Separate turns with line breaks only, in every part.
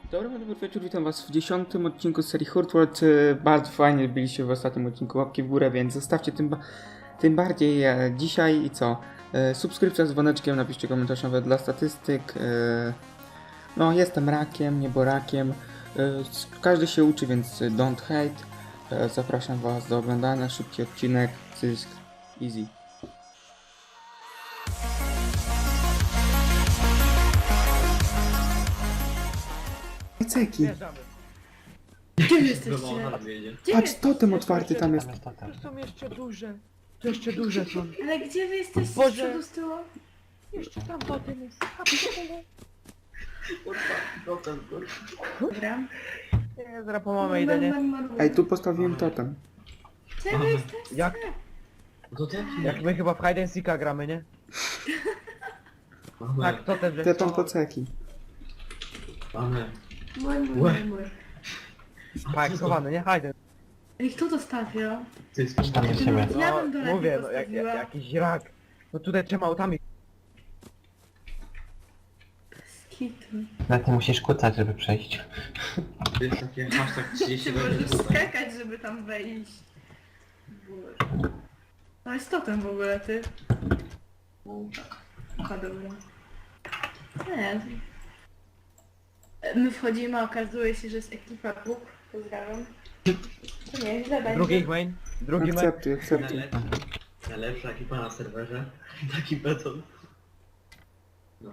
Dobry wieczór, witam was w 10. odcinku z serii Hurt World. Bardzo fajnie byliście w ostatnim odcinku, łapki w górę, więc zostawcie tym bardziej dzisiaj i co? Subskrypcja z dzwoneczkiem, napiszcie komentarz nawet dla statystyk. No, jestem rakiem, nieborakiem. Każdy się uczy, więc don't hate. Zapraszam was do oglądania, szybki odcinek, cysk, easy. Ceki.
Gdzie wy jesteście? Gdzie
Patrz,
wy?
totem otwarty tam jest.
To są jeszcze duże. To jeszcze duże są.
Ale gdzie wy jesteście?
Boże.
Z przodu, z tyłu?
Jeszcze tam potem jest.
Dobra.
Nie, zaraz po mamę idę, nie?
Ej, tu postawiłem totem.
Gdzie wy jesteście?
Jak, jak my chyba w Hide and Seeka gramy, nie? Tak, to ten
Te tam po ceki.
Mój.
Tak, schowany, nie? Hide.
Ej, kto to stawiał?
Tam do siebie.
Ja bym do lepiej
Mówię, no
postawiła.
jakiś rak. No tutaj trzema autami.
Skitu.
Na ty musisz kucać, żeby przejść.
To jest takie hashtag 30
Ty możesz
godzin.
skakać, żeby tam wejść. Boże. No jest totem w ogóle, ty. A dobra. Nie. My wchodzimy, a okazuje się, że jest ekipa Bóg. Pozdrawiam. To nie, źle będzie.
Drugi main. Drugi main.
Akceptuj.
Najlepsza ekipa na serwerze. Taki beton. No.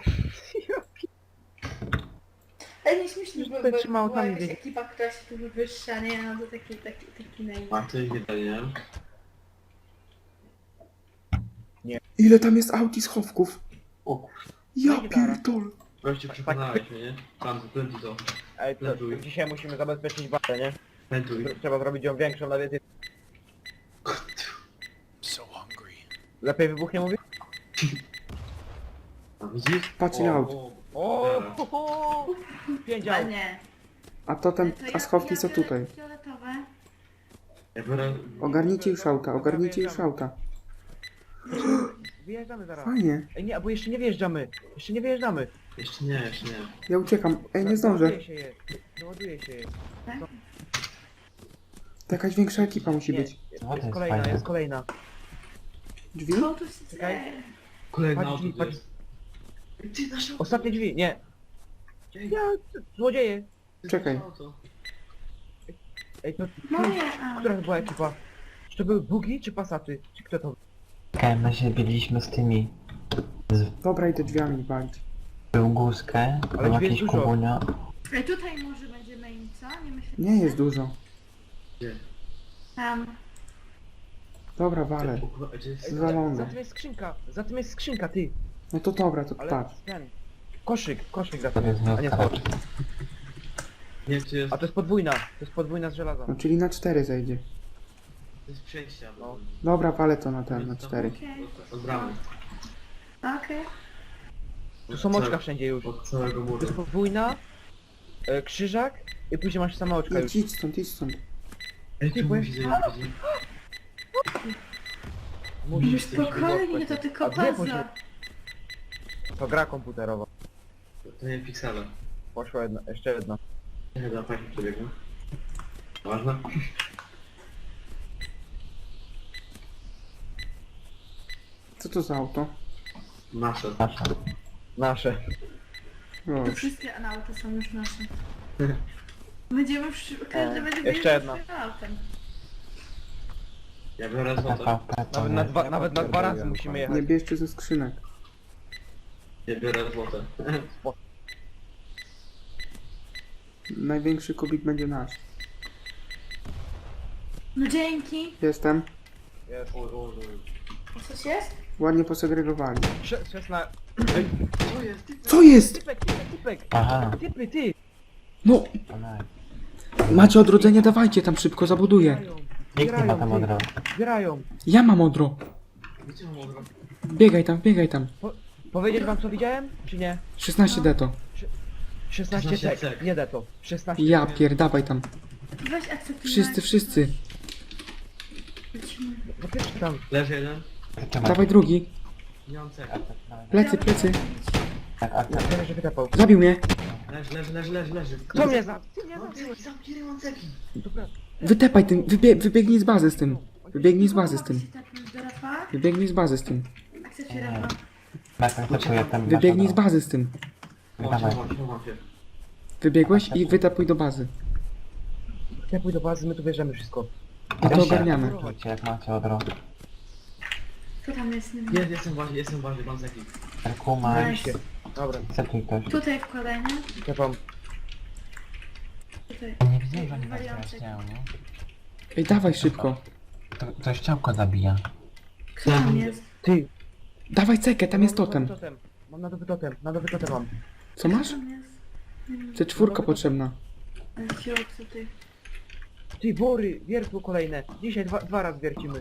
Ale nie śmiesznie, bo
Tutaj trzymał
była
tam
jakaś
gdzieś.
ekipa, która się tu wywyższa, nie? No to taki naj...
A ty nie daje.
Ile tam jest aut i schowków?
O,
Ja pierdol.
gościu przekonałeś mnie, nie? Tam zapędzi to.
Ej, to dzisiaj musimy zabezpieczyć bazę, nie?
Pętuj.
Trzeba zrobić ją większą na więcej. Lepiej wybuchnie mówi?
A widzisz?
Patrz ile aut.
O, ho, ho. 5
Ale
aut.
nie.
A totem,
To
a schowki są
biorę
tutaj.
Fioletowe.
Ja biorę...
Ogarnijcie już auta, ogarnijcie już auta.
Wyjeżdżamy zaraz.
Fajnie.
Ej nie, bo jeszcze nie wjeżdżamy. Jeszcze nie wjeżdżamy.
Jeszcze nie, jeszcze nie.
Ja uciekam. Ej, nie zdążę.
Załaduje się je. Załaduje się je.
To jakaś większa ekipa musi
Nie,
być.
No, to
jest
jest
kolejna,
fajne.
jest kolejna.
Drzwi?
Co tu się
Czekaj.
dzieje?
Kolejna
Patrz
auto
drzwi,
to
patrz.
jest. Ty nasz auto.
Ostatnie drzwi, nie.
Gdzie?
Ja, złodzieje.
Ty
Czekaj.
nasze auto.
Ej, to
Moje auto.
która to była ekipa? Czy to były bugi, czy pasaty? Czy kto to?
Czekałem na siebie, byliśmy z tymi.
Dobra, idę drzwiami walić.
Był Guskę,
Ale
był
drzwi
jakiś
jest dużo.
Kubunio.
Ej, tutaj może będzie main, co? Nie myślę.
Nie jest dużo.
Gdzie?
Tam.
Dobra, walę.
Gdzie jest?
Ej,
Zwalone.
za tym jest skrzynka, za tym jest skrzynka, ty.
No to dobra, to
Ale
patrz.
ten. Koszyk za
To
tym
jest
jest, a nie
miódka
schowek.
raczej.
Nie wiem, czy jest...
A to jest podwójna, z żelaza.
No czyli na 4 zejdzie.
To jest przejście,
No.
albo...
Dobra, walę to na ten, na 4.
Okej.
Od bramy.
Okej.
Tu są oczka wszędzie już.
Od całego
To
muru.
jest podwójna, krzyżak i później masz same oczka już.
Idź stąd, idź stąd.
Ej,
Ty,
tu
byłem-
musi zejść.
Musisz.
Spokojnie, to tylko
A gdzie poszedł?
baza.
To gra komputerowa.
To nie piksele.
Poszła jedna, jeszcze jedna.
Nie, da fajnie przebiegną. Ważne?
Co to za auto?
Nasze.
Nasza.
Nasze.
O,
To wszystkie auta są już nasze. Będziemy każdy będzie
jeszcze
wyjeżdżał
jedna.
swoim autem.
Ja biorę złote.
TVP to
Nawet na
jest.
dwa razy musimy
nie
jechać.
bierzcie ze skrzynek.
Ja biorę złote.
Największy kubik będzie nasz.
No dzięki.
Jestem.
Jest.
Coś jest?
Ładnie posegregowali.
16.
Co jest?
Typek!
Aha.
Typy, ty!
No,
To nice.
macie odrodzenie, dawajcie tam szybko, zabuduję.
Nikt nie ma tam od razu.
Zbierają.
Ja mam odro.
Gdzie mam odro?
Biegaj tam, biegaj tam.
Powiedzieć wam co widziałem? Czy nie?
16 deto.
16
16
tek.
tek.
Nie da to. 16
Ja pierdawaj tam.
Weź akceptuj.
Wszyscy.
No pierwszy tam.
Leży jeden.
Zatrzymaj.
Dawaj drugi.
Nie mam cek.
Plecy.
Tak,
Ja wiem, że wytapał.
Zabił mnie.
Leży.
Kto mnie za... Ty mnie
Mam
zabiłeś.
ceki, zamknij rynek ceki.
Dobra.
Wytepaj tym, wybiegnij z bazy z tym. Wybiegnij z bazy z tym.
Chcecie tepnąć do Rafała?
Wybiegnij z bazy z tym.
A chcecie Rafa?
Tak, to ja tam
Wybiegnij z bazy z tym.
Dawaj.
Chowam się.
Wybiegłeś i wytapuj do bazy.
Ja pójdę do bazy, my tu bierzemy wszystko.
I to ogarniamy.
Rzućcie, jak macie od razu.
Kto tam jest? Nie wiem.
Jestem ważny, mam ceki.
Erkuma,
Daj się. Dobra,
setuj ktoś.
Tutaj wkładaj, nie?
ja wam.
Tutaj.
Nie widzieli, że oni was
Warianty.
wyjaśniają, nie?
Ej, dawaj szybko.
To ściałko zabija.
Kto tam jest?
Ty.
Dawaj cekę, tam jest totem.
Mam na nowy totem, mam.
Co masz?
Kto tam jest? Nie wiem.
C4 potrzebna.
Ale środku ty.
Ty, wory, wiertło kolejne. Dzisiaj dwa razy wiercimy.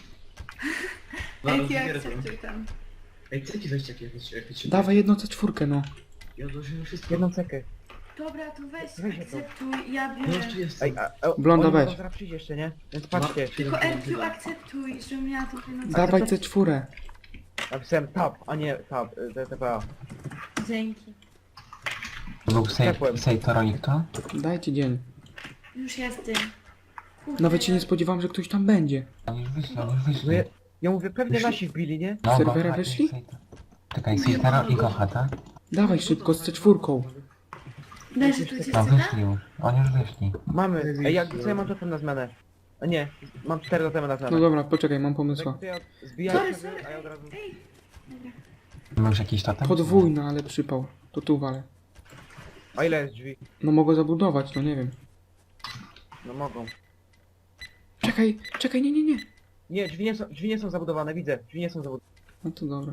Ej, ty akceptuj tam.
Ej, ceki weźcie jakieś się...
Dawaj jedną C4, no.
Ja odłożyłem wszystko.
Jedną cekę.
Dobra, to weź,
Weź je to.
akceptuj, ja
No już tu
biorę.
jest.
Ej,
Blonda,
oni
weź.
mogą zaraz przyjść jeszcze, nie? Więc patrzcie.
Tylko Erkiu akceptuj, żebym miała to pieniądze.
Dawaj C4.
Napisałem tab, a nie tab, TPA.
Dzięki.
To był
Ciepłem.
Sejtoronik to?
Dajcie dzień.
Już jest dzień. Kurde,
Nawet się nie spodziewałam, że ktoś tam będzie.
Oni już wyszli, oni już
No
wyszli.
ja mówię, pewnie nasi wbili, nie?
No,
serwera
Gocha i
wyszli?
Czekaj, Sejtoro i Gocha, tak?
Dawaj szybko z C4.
Daj, że tu cię
No
czyta?
wyszli już, oni już wyszli.
Mamy. Ej, co ja mam totem na zmianę? A nie, mam 4 totemy na zmianę.
No dobra, poczekaj, mam pomysł.
Tak, to ja zbijam
Sorry,
sobie, a ja od razu...
Ej! Dobra.
Masz jakiś totem?
Podwójna, ale przypał. To tu walę.
A ile jest drzwi?
No mogę zabudować, no nie wiem.
No mogą.
Czekaj, nie.
Nie, drzwi nie są zabudowane, widzę. Drzwi nie są zabudowane.
No to dobra.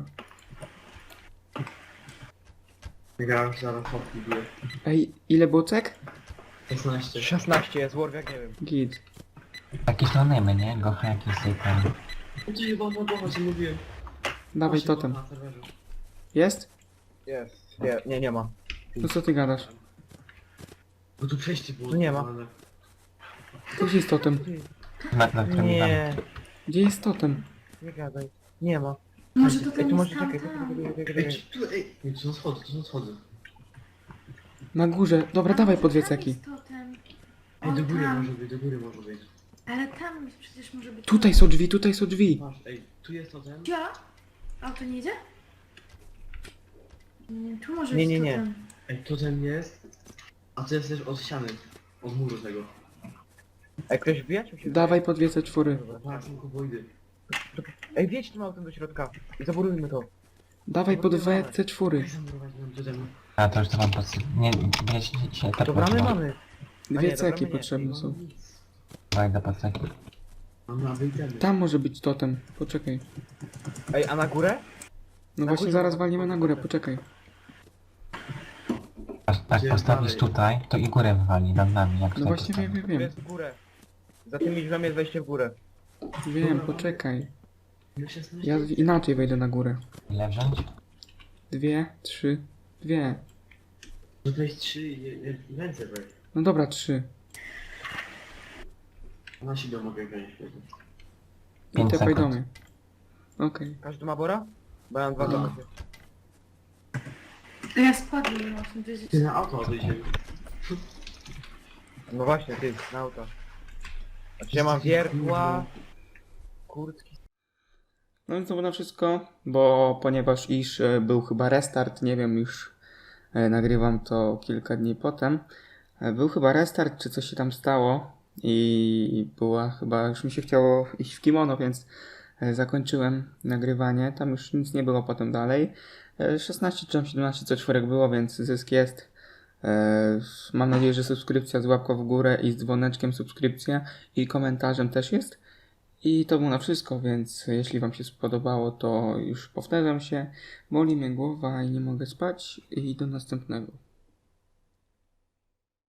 Ja zaraz hopki biję.
Ej, ile było cek?
16.
16 jest, Warwick, nie wiem.
Git.
Jakieś nonemy, nie? Gocha, jakiś Sejtor.
Ty chyba mogła, co mówiłem.
Dawaj
Właśnie,
totem.
na serwerze.
Jest?
Jest. Nie ma.
No co ty gadasz?
Bo tu przejście było.
Tu nie ma.
zbudowane.
Gdzie jest totem?
Na którym tam?
Nie,
Gdzie jest totem?
nie gadaj. Nie ma.
Może to
Ej,
ten
tu
jest
może
tam,
czekaj,
tam.
Ej, ej, to są schody.
Na górze. Dobra, dawaj po dwie
Tam
ceki.
jest totem.
Ej,
O,
do góry
tam.
może być, do góry może być.
Ale tam przecież może być...
Tutaj są drzwi.
Masz, ej, tu jest totem.
Ja? A to nie idzie? Nie, tu może
Nie,
być
nie.
totem.
Ej, totem jest. A to jest też od ściany. Od muru tego.
Ej, ktoś wbija, czy mi się
Dawaj po dwie C4.
wydaje?
Tak, są kuboidy.
Ej, wjedź tym autem do środka i zaburujmy to.
Dawaj po dwie
Daj
C4.
zamurować nam totem.
A to już to mam podsyp. Nie, się tak
Dobra, my
można.
mamy.
Dwie
nie,
ceki
dobra, nie.
potrzebne są.
Nic.
Dawaj do paceki.
Mamy abytemy.
Tam może być totem. Poczekaj.
Ej, a na górę?
No
Na
właśnie
górze
zaraz
może-
walniemy na górę, poczekaj.
Jak
Gdzie
postawisz
dalej?
tutaj, to i górę wywali nad nami, jak
No
tutaj
właśnie
postawisz.
wiem.
Jest w górę. Za tymi drzwiami jest wejście w górę.
Wiem, poczekaj.
Już 16.
Ja inaczej wejdę na górę.
Ile wziąć?
2, 3, 2.
No to jest 3 ręce weź.
No dobra, 3.
Na siebie mogę wziąć.
I
5
tepaj do
sekund.
mnie. Okej.
Każdy ma bora? Bo ja mam dwa
No.
domyśle.
A ja spadłem mocno, wiedzieć.
Ty na auto odejdziemy.
No właśnie, ty, na auto. Znaczy ja mam wiertła, kurtki.
No więc to było na wszystko, bo ponieważ był chyba restart, nie wiem, już nagrywam to kilka dni potem. Był chyba restart, czy coś się tam stało i była chyba, już mi się chciało iść w kimono, więc zakończyłem nagrywanie. Tam już nic nie było potem dalej. 16 czy tam 17 C4 było, więc zysk jest. Mam nadzieję, że subskrypcja z łapką w górę i z dzwoneczkiem subskrypcja i komentarzem też jest. I to było na wszystko, więc jeśli Wam się spodobało, to już powtarzam się. Boli mnie głowa i nie mogę spać. I do następnego.